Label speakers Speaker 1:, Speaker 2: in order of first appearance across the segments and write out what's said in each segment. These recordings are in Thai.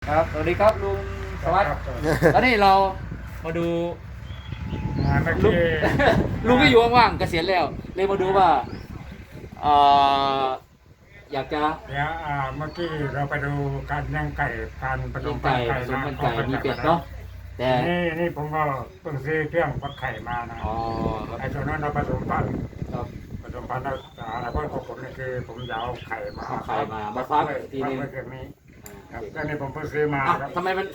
Speaker 1: ครับสวัสดีครับลุงสวัสดิ์ตอนนี้เรามาดู
Speaker 2: เมื่อ
Speaker 1: ลุง
Speaker 2: กี้
Speaker 1: ลุงก็อยู่ว่างๆเกษียณแล้วเลยมาดูว่าเอ่ออยากจะ
Speaker 2: เดี๋ยวเมื่อกี้เราไปดูการย่างไก่การผส
Speaker 1: เลี้ย
Speaker 2: ม
Speaker 1: ง
Speaker 2: พัน
Speaker 1: ไก่
Speaker 2: ธุ์ไก่
Speaker 1: ผสม
Speaker 2: นะ
Speaker 1: พันธุ์ไก่มีเป็ดเนาะแต่
Speaker 2: นี่ผมก็เพิ่งซื้อเครื่องวัดไข่มานะ
Speaker 1: อ๋อครับ
Speaker 2: ไอ้ตัวนั้นเราผสมพันธุ์
Speaker 1: ครับ
Speaker 2: ผสมพันธุ์แล้วอะไรเพราะของผมนี่คือผมจะเอาไข่มา
Speaker 1: เอาไข่มาฟักทีนึง
Speaker 2: ไว้เครื่องนี้ค
Speaker 1: อ่า
Speaker 2: รับก็นี่ผมเพิ่งซื้อมา
Speaker 1: อ่ะ
Speaker 2: ครับ
Speaker 1: ทำไมมัน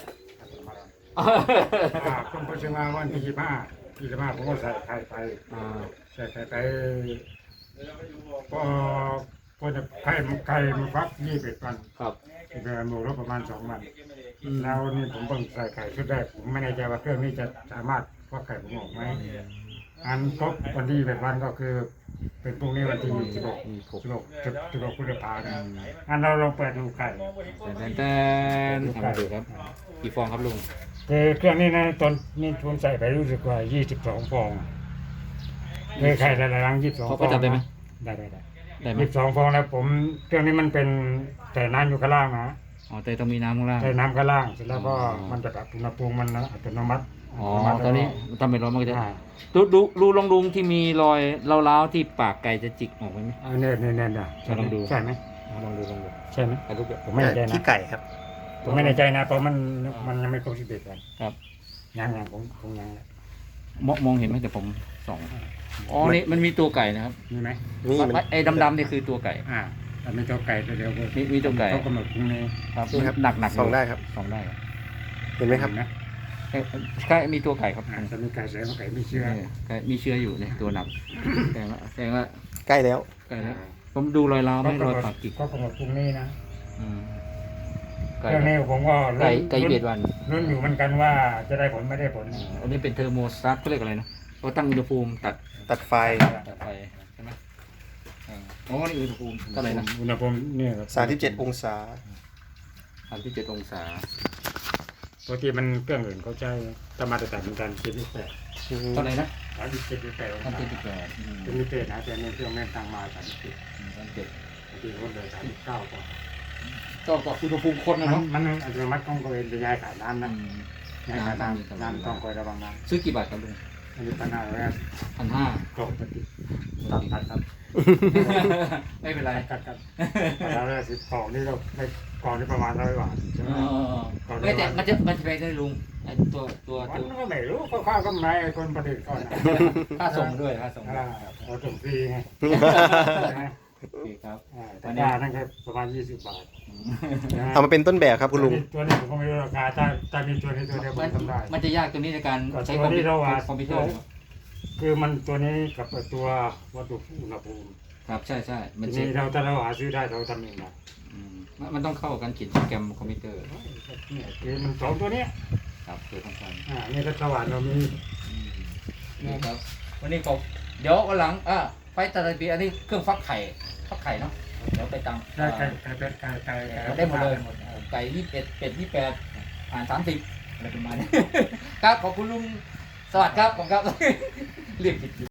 Speaker 2: ผมเพิ่งซื้อมาวันที่25ผมก็ใส่ไข่ไป
Speaker 1: อ่า
Speaker 2: ใส่ไข่ไปพอจะไข่มันฟัก21 วัน
Speaker 1: ครับ
Speaker 2: เดือนหมูรบประมาณ2 วัน
Speaker 1: อืม
Speaker 2: แล้วนี่ผมเพิ่งใส่ไข่ชุดแรกผมไม่แน่ใจว่าเครื่องนี้จะสามารถฟักไข่ผมออกไหมอันครบวันที่21 วันก็คือ เป็นพรุ่งนี้วันที่16พฤษภาคมอันเราลองเปิดดูไข่
Speaker 1: แต่ทำมาดูครับกี่ฟองครับลุง
Speaker 2: คือเครื่องนี้นะตอนนี้ผมใส่ไปรู้สึกว่า22 ฟองคือไข่แต่ละรัง22 ฟอง
Speaker 1: เขาจับได้ไหม
Speaker 2: ได้
Speaker 1: ได้ไหม
Speaker 2: 22 ฟองแล้วผมเครื่องนี้มันเป็นแต่น้ำอยู่ข้างล่างนะ
Speaker 1: อ๋อแต่ต้องมีน้ำข้างล่าง
Speaker 2: ใส่น้ำข้างล่างเสร็จแล้วก็
Speaker 1: อ๋อ
Speaker 2: มันจะแบบอุณหภูมิมันอัตโนมัติ
Speaker 1: อ๋อตอนนี้ทำเป็นร้อนมันก็จะ
Speaker 2: อ่า
Speaker 1: ดูลองลุงที่มีรอยเล้าวๆที่ปากไก่จะจิกออกไหม
Speaker 2: เนี่ย
Speaker 1: ลองดู
Speaker 2: ใช่ไหม
Speaker 1: ลองดู
Speaker 2: ใช่ไหม
Speaker 1: ถ่ายรูปด้วย
Speaker 2: ผมไม่แน่ใจนะ
Speaker 3: ขี้ไก่ครับ
Speaker 2: ผมไม่แน่ใจนะเพราะมันยังไม่ครบ11 วัน
Speaker 1: ครับ
Speaker 2: ยังผมยัง
Speaker 1: มองเห็นไหมแต่ผมส่องอ๋อนี่มันมีตัวไก่นะครับ
Speaker 2: มีไหม
Speaker 3: นี่มัน
Speaker 1: ไอ้ดำๆนี่คือตัวไก่
Speaker 2: แต่ไม่ตัวไก่ตัวเดียว
Speaker 1: มีตัวไก่
Speaker 2: เขากำหนดพรุ่งนี้
Speaker 1: ครับ
Speaker 3: นี่ครับ
Speaker 1: หนักๆ
Speaker 3: ส่องได้ครับ
Speaker 1: ส่องได้ครับ
Speaker 3: เห็นไหมครับ
Speaker 2: นะ
Speaker 1: ใช่มีตัวไก่ครับ
Speaker 2: จะมีไก่แสดงว่าไก่ไม่เชื่อ
Speaker 1: ไก่มีเชื้ออยู่เนี่ยตัวหนักแสดงว่า
Speaker 3: ใกล้แล้ว
Speaker 1: ไก่แล้วผมดูรอยร้าวไหมรอยปากจิก
Speaker 2: ก็กำหนดพรุ่งนี้นะ
Speaker 1: อืม
Speaker 2: เรื่องนี้ผมก็
Speaker 1: ไก่เบียดวัน
Speaker 2: รุ่นอยู่เหมือนกันว่าจะได้ผลไม่ได้ผล
Speaker 1: อันนี้เป็นเทอร์โมสตาร์ทเขาเรียกอะไรนะเขาตั้งอุณหภูมิ
Speaker 3: ตัดไฟ
Speaker 1: ตัดไฟใช่ไหมอ๋อนี่อุณหภูมิเท่าไหร่นะ
Speaker 2: อุณหภูมิเนี่ยครับ
Speaker 3: 37 องศา
Speaker 1: 37 องศา
Speaker 2: ปกติมันเครื่องอื่นเขาใช้ธรรมดาเหมือนกัน78
Speaker 1: เท่าไหร่นะ
Speaker 2: 37 องศา
Speaker 1: 38
Speaker 2: เป็นมิเตอร์นะแต่ในเครื่องแม่งตั้งมา37
Speaker 1: 37
Speaker 2: บางทีคนเลย39กว่า
Speaker 1: ก็อุณหภูมิคนนะเนาะ
Speaker 2: มันอัตโนมัติต้องคอยจะย้ายขาน้ำนะย้ายขาน้ำต้องคอยระวังน้
Speaker 1: ซื้อกี่บาทครับลุง
Speaker 2: ำอันนี้ปัญหาเลย
Speaker 1: 1,500
Speaker 2: กรอบปฏิ ตัดครับ
Speaker 1: ไม่เป็นไร
Speaker 2: กัดแล้วได้10 กล่องนี่เราได้กล่องนี่ประมาณ100 บาทใช่ไหม
Speaker 1: ไม่แต่มันจะแพงได้ลุงไอ้ตัว
Speaker 2: มันก็ไม่รู้ข้าวๆก็ไม่ไอ้คนผลิตก่อนนะ
Speaker 1: ค่าส่งด้วยค่าส่ง
Speaker 2: เอาส่งฟรีไง
Speaker 1: โอเคครับ
Speaker 2: แต่ยานั่นก็ประมาณ20 บาท
Speaker 3: เอามาเป็นต้นแบบครับคุณลุง
Speaker 2: ตัวนี้ผมก็ไม่รู้ราคาถ้ามีตัวนี้ตัวเดียวผมทำได้
Speaker 1: มันจะยากตรงนี้ในการใช้
Speaker 2: ตัวนี้เราว่า
Speaker 1: คอมพิวเตอร์
Speaker 2: คือมันตัวนี้กับตัววัตถุอุณหภูมิ
Speaker 1: ครับใช่ใช่มัน
Speaker 2: ที
Speaker 1: เช็
Speaker 2: นี้
Speaker 1: ค
Speaker 2: ถ้าเราหาซื้อได้เราทำเองนะ
Speaker 1: มันต้องเข้ากันเขียนโปรแกรมคอมพิวเตอร์
Speaker 2: เนี่ยคือมัน2 ตัวเนี้ย
Speaker 1: ครับตัวสำคัญ
Speaker 2: นี่ถ้าสว่านเรามี
Speaker 1: นี่ครับวันนี้ก็เดี๋ยววันหลังไปตัดปีอันนี้เครื่องฟักไข่เนาะเดี๋ยวไปตาม
Speaker 2: ได้ไก่เป็ดไก่
Speaker 1: ได้หมดเลยไก่21เป็ด2830อะไรประมาณนี้ครับขอบคุณลุงสวัสดีครับผมครับเรียกผิด